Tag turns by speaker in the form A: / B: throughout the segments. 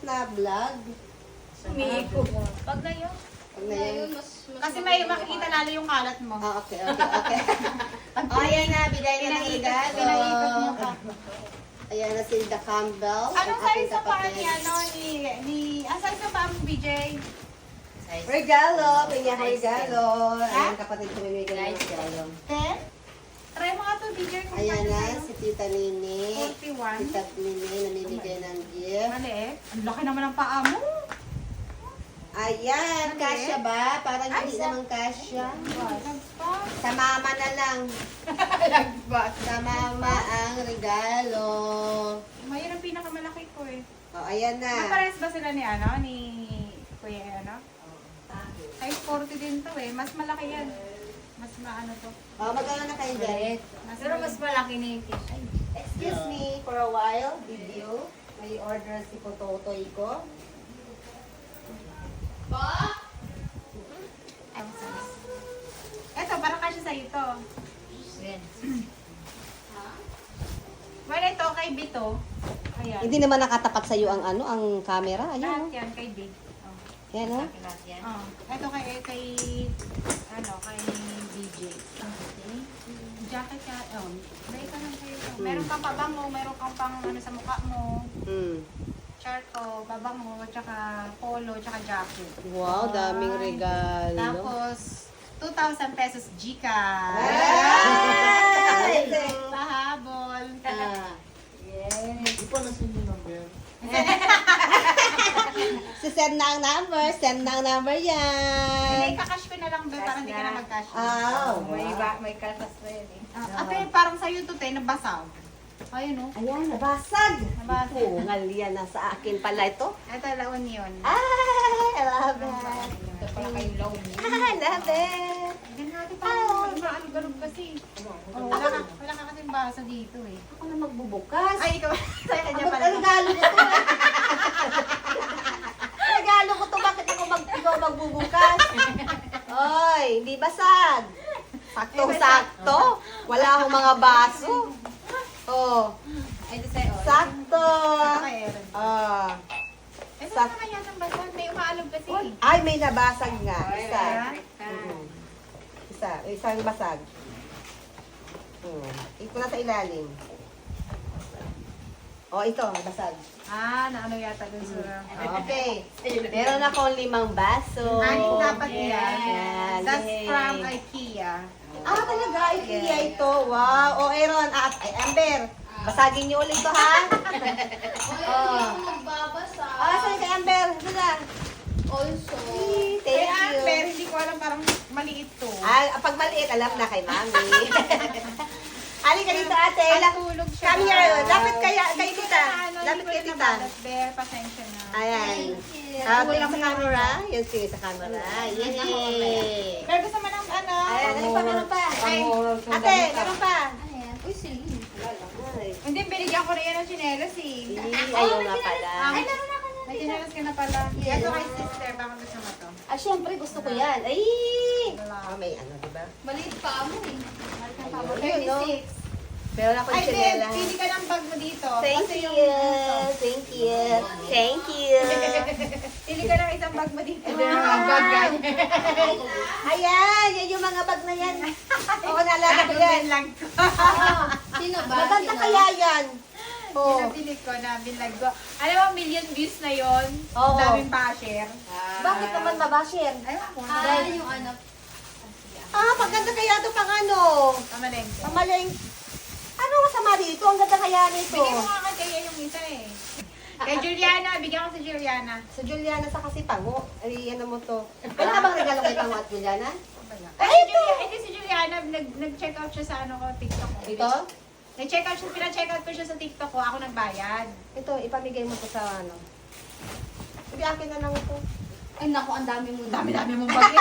A: na vlog.
B: Umiikot. Wag na yun.
A: Pag na yun.
B: Kasi may makikita lalo yung kalat mo.
A: Ah, okay. Ayan na, bigay na ng regalo.
B: Pinaikot mo pa.
A: Ayan na si The Campbell.
B: Anong size na pa ni ang size na pa mo, BJ?
A: Regalo, pinya regalo. Ayan, kapatid ko may ng regalo.
B: 10? Try mo nga to, BJ. Kung
A: Ayan
B: pwede
A: na,
B: sa'yo.
A: si Tita Nini.
B: 41.
A: Tita Nini, namimigay ng gift.
B: Maliit. Ang laki naman ng paa mo.
A: Ayan, kasya ba? Parang hindi naman kasya. Sa mama na lang.
B: Lagbat.
A: Sa mama ang regalo.
B: Mayroon ang pinakamalaki ko eh.
A: O, ayan na.
B: Napares ba sila ni Kuya Size 40 din to eh. Mas malaki yan. Mas maano to.
A: O, magkano na kayo dyan?
B: Pero mas malaki ni Kish.
A: Excuse me for a while, video. May order si Pototoy ko.
B: Eto, parang kasi sa'yo to. Well, ito kay Bito. Ayan.
A: Hindi naman nakatapat sa iyo ang ang camera.
B: Lahat
A: Ayun.
B: yan kay Big. Oh.
A: Yan oh.
B: Oh. Ito kay DJ. Okay. Jacket ka. Oh. May ka lang kayo. Meron kang pabango, meron kang pang sa mukha mo. Charto, babango, tsaka polo, tsaka jacket.
A: Wow, daming regalo.
B: Tapos, 2,000 pesos Gcash.
A: Ay!
B: Pahabol.
C: Di pa nasin yung number.
A: Send na ang number. Send na ang number yan.
B: Hindi, kakash ko na lang ba para hindi ka na mag-cash.
D: May kalpas na yun eh.
B: Ate, parang sa'yo to, nabasaw. Ayun, oh.
A: Ayan, nabasag.
B: Nabasag.
A: Pungal yan. Nasa akin pala ito.
B: Ito, laon yun.
A: Ay, I love it.
D: Ito pala kayong loan niya.
A: I love it.
B: Ganun natin parang maalog-alog kasi. Oh, wala ka kasing basa dito eh.
A: Ako na magbubukas.
B: Ay, ikaw. Sa'yo ka dyan
A: Ang
B: pala.
A: regalo ko to. Regalo ko to. Bakit ikaw magbubukas? Oy, hindi basag. Saktong-sakto. Wala akong mga baso. Oh,
D: Ay, ito sa'yo.
A: sakto.
B: Kay Aaron.
A: Ah.
B: Eh, saan naman yan ang basa? May umaalog kasi.
A: Ay, may nabasag nga. Isa.
B: Ayan.
A: Isang basag. Ito na sa ilalim. Oh, ito, basag.
B: Naano yata dun sa...
A: Okay. Meron akong 5 baso.
B: Anin dapat yan.
A: Yan.
B: That's
A: Yay.
B: from IKEA.
A: Talaga, IKEA ito. Wow. Aaron, Amber. Basagin niyo ulit to, ha?
D: Magbabasa.
A: Saan kay Amber? Hala.
D: Also.
A: Thank
B: Kaya,
A: you.
B: pero hindi ko alam, parang maliit to.
A: Pag maliit, alam na kay Mami. Halika dito, ate.
B: Tulog siya.
A: Come here. Lapit kay
B: Hindi ko
A: tita.
B: na,
A: Lapit
B: hindi ko
A: kay
B: na
A: tita.
B: nabalat, Bear. Pasensya na.
A: Ayan. Tingin sa camera. Yan, sige sa camera. Yay!
B: Pero gusto mo ng ano?
A: Ayan, ano pa, meron pa?
B: Ay,
A: Ate, meron pa?
D: Ano yan? Uy, Celine.
A: Ay,
B: hindi, binigyan ko na yan ng chinelas eh.
A: ayaw nga pala.
D: Ay, naroon ako na.
B: May chinelas ka na pala. Ito kay sister, baka gusto mo to.
A: Syempre, gusto ko yan. Ay!
B: Wala.
A: May ano, diba?
D: Maliit pa mo eh.
A: Ayun, no?
B: 36.
A: Meron akong
B: Ay, Ben,
A: chinela.
B: pili ka ng bag mo dito.
A: Thank
B: Kasi
A: you.
B: yung-
A: Thank you. Thank you.
B: Pili ka ng isang bag mo dito.
A: Wow. Ayan, yan yung mga bag na yan. Oo, naalala ko yan.
B: Binlag ko.
D: Sino ba?
A: Maganda
D: Sino?
A: kaya yan. Oh.
B: Pinabili ko na, binlag ko. Alam mo, million views na yon.
A: Oo.
B: Daming pa-share.
A: Bakit naman babashare?
B: Ayun ko.
D: Yung ano.
A: Maganda kaya ito pang ano.
B: Kamalengke.
A: Pamaling. Ano masama dito? Ang ganda kaya nito.
B: Bigyan mo nga kaya yung isa eh. Kay Juliana, bigyan ko sa Juliana.
A: Sa Juliana sa kasi Pango. Ay, ano mo to? Ano ka bang regalo kay Pango at Juliana?
B: Ay, ito! Ito si Juliana, nag-check out siya sa ano ko, TikTok ko.
A: Ito?
B: Nag-check out siya, pina-check out ko siya sa TikTok ko, ako nagbayad.
A: Ito, ipamigay mo to sa ano. Sige, akin na lang ito.
D: Ay, naku, ang dami mo.
B: Dami-dami mong bagay.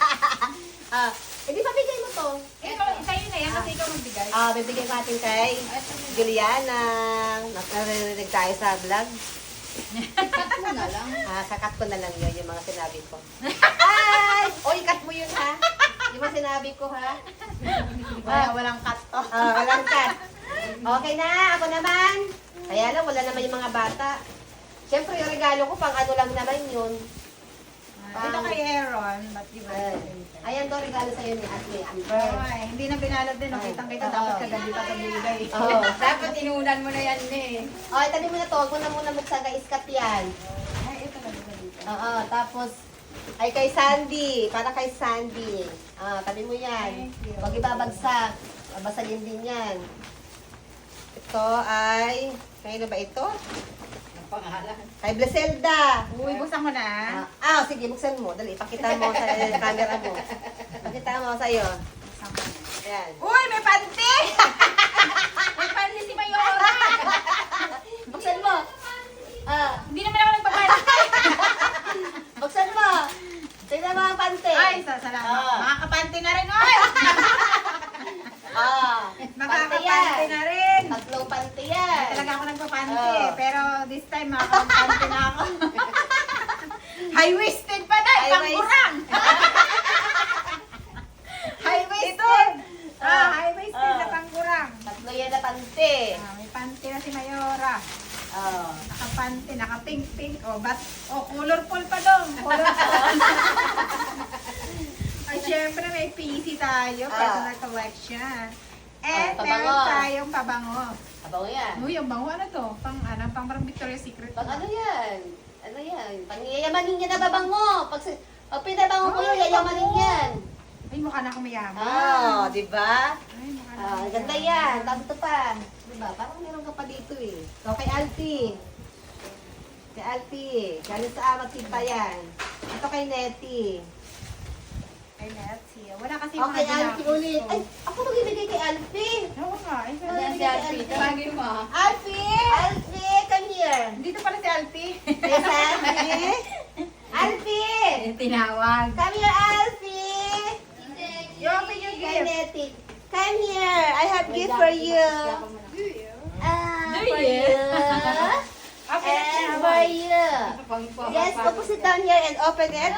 A: Hindi pamigay mo to.
B: Ikaw, sa'yo na yan kasi ikaw magbigay.
A: Bibigyan natin kay Juliana. Naririnig tayo sa vlog.
D: Cut mo na lang.
A: Kakat ko na lang yun, yung mga sinabi ko. Ay! Oy, cut mo yun ha. Yung mga sinabi ko ha.
B: Walang cut to.
A: Walang cut. Okay na, ako naman. Kaya lang, wala naman yung mga bata. Siyempre, yung regalo ko, pang ano lang naman yun.
B: Ito kay Aaron, ba't di ba?
A: Ayan to, regalo sa'yo ni Ate Amber.
B: Ay, hindi na binalad din. Nakitang kita, dapat kagabi pa pabigay.
A: Oo.
D: Dapat inunan mo na yan eh.
A: Oh, tabi mo na to. Huwag mo na muna buksan kay Iskat yan.
B: Ay, ito na ba dito?
A: Oo, tapos, ay kay Sandy. Para kay Sandy. Ah, tabi mo yan.
B: Thank you.
A: Huwag ibabagsak. Babasagin din yan. Ito ay, kayo na ba ito?
D: Pangalan.
A: Kay Blaselda.
B: Uy, buksan mo na.
A: Sige, buksan mo. Dali, pakita mo sa camera mo. Pakita mo sa'yo.
B: Buksan mo na.
A: Ayan.
B: Uy, may panty! May panty si Mayora!
A: Buksan mo.
B: Hindi naman ako nagpapanty.
A: Buksan mo. Tignan mo ang pante.
B: Ay, salamat.
A: Ah.
B: Makakapanty na rin, oy!
A: Pante
B: Makakapanty
A: yan.
B: na rin.
A: Tatlong pante
B: Hindi
A: yan.
B: talaga ako nagpapanty
A: Oh.
B: eh. Pero this time, makakapanty na ako. High-waisted pa na,
A: High-waist.
B: pangkurang! High-waisted! High-waisted na
A: Ah.
B: pangkurang.
A: Tatlo yan na pante.
B: May panty na si Mayora.
A: Oh.
B: Nakapanty, naka-pink-pink. Colorful pa dong. Colorful. Ay, syempre may PC tayo. Personal collection. And
A: pabango.
B: meron tayong pabango.
A: Abango yan.
B: Uy, yung bango ano to? Pang parang Victoria's Secret.
A: Pag ano yan? Ano yan? Pang yayamanin niya na babango. Pag pinabango mo yun, yayamanin yan.
B: Ay, mukha na kumayaman.
A: Di ba?
B: Ay, mukha na kumayaman.
A: Ganda yan. Tapos ito pa. Di ba? Parang meron ka pa dito eh. Ito kay Alfie. Kay Alfie. Galing sa amat kita yan. Ito kay Nettie.
B: Ay, Nancy. Wala kasi
A: Okay,
B: mga
A: Alfie
B: ginagawa
A: ulit.
B: ko.
A: Ay, ako magbibigay kay Alfie.
B: Oo nga. Ay,
D: Ayan si Alfie. Tawagin mo ah.
B: Alfie!
A: Alfie, come here.
B: Dito pala si Alfie.
A: Kay Sandy. Alfie!
D: Tinawag.
A: Come here, Alfie.
B: You open your
A: Kay
B: gift.
A: Nettie. Come here. I have gift for you. For you.
B: Open it
A: And
B: now.
A: for you. Yes, go sit down here and open it.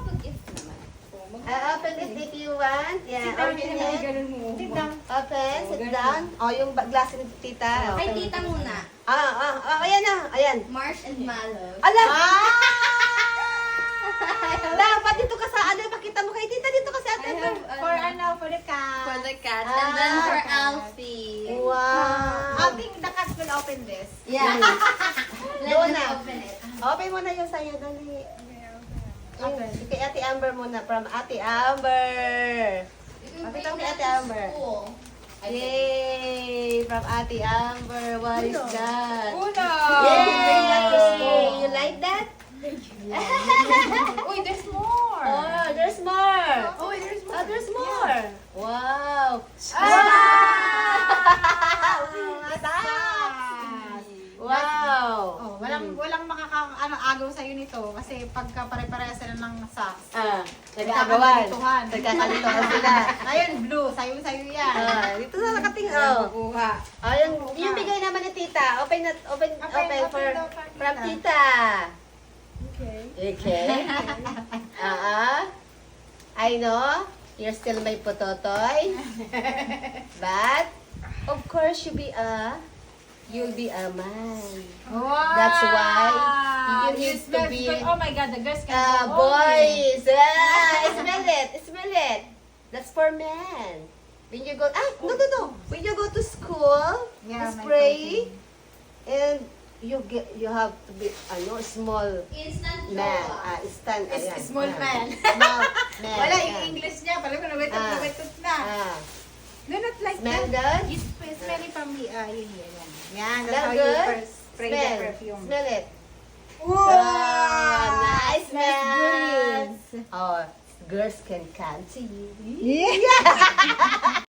A: Open it if you want. Yeah, open it.
B: Sit down.
A: Open, sit down. Oh, yung glass ni tita.
D: Ay,
A: Open.
D: tita muna.
A: Ayan na. Ayan.
D: Mars and Mallow.
A: Alam! Dapat dito ka sa ano, pakita mo kay tita dito ka sa ate.
B: For the cat.
D: For the cat. And then for Alfie.
A: Wow.
B: I think the cat will open this.
D: Yeah. Let
A: Doon
D: them
A: na.
D: open it.
A: Open mo na yung sa'yo, dali. Kay Ate Amber muna, from Ate Amber. Pakita mo kay Ate Amber. Yay! From Ate Amber, what is that?
B: Uno!
A: Yay! Bring that to school. You like that?
B: Uy, there's more!
A: Oh, there's more.
B: Oh, there's more.
A: Oh, there's more. Wow. Wow.
B: Oh, walang agaw sa nito kasi pagka pare-parehas sila ng socks.
A: Nag-aagawan.
B: Nagkakalituhan.
A: Nagkakalituhan sila.
B: Ayun, blue. Sayo-sayo yan.
A: Dito na nakating, oh.
B: Kuha.
A: Yung bigay naman ni tita. Open for,
B: daw for
A: from
B: tita.
A: tita.
B: Okay.
A: Okay. I know, you're still my pototoy. But, of course, you'll be a man.
B: Wow!
A: That's why you need to
B: smells
A: be
B: good. Oh my God, the girls can go
A: boys. Smell it. That's for men. When you go, no. When you go to school,
B: Yeah,
A: you
B: my
A: spray,
B: protein.
A: and you have to be, small
D: Instant
A: man.
D: joy.
B: Small man.
A: Small man.
B: Wala
A: yeah.
B: yung English niya. Pala ko nawitot na. No, not like
A: Smell
B: that.
A: good?
B: It's smelling from the, yun. Yan, that's
A: Smell
B: how you
A: good?
B: first spray the perfume.
A: Smell it.
B: Wow!
A: Nice
B: Smells
A: man. Oh, girls can come to you.
B: Yeah!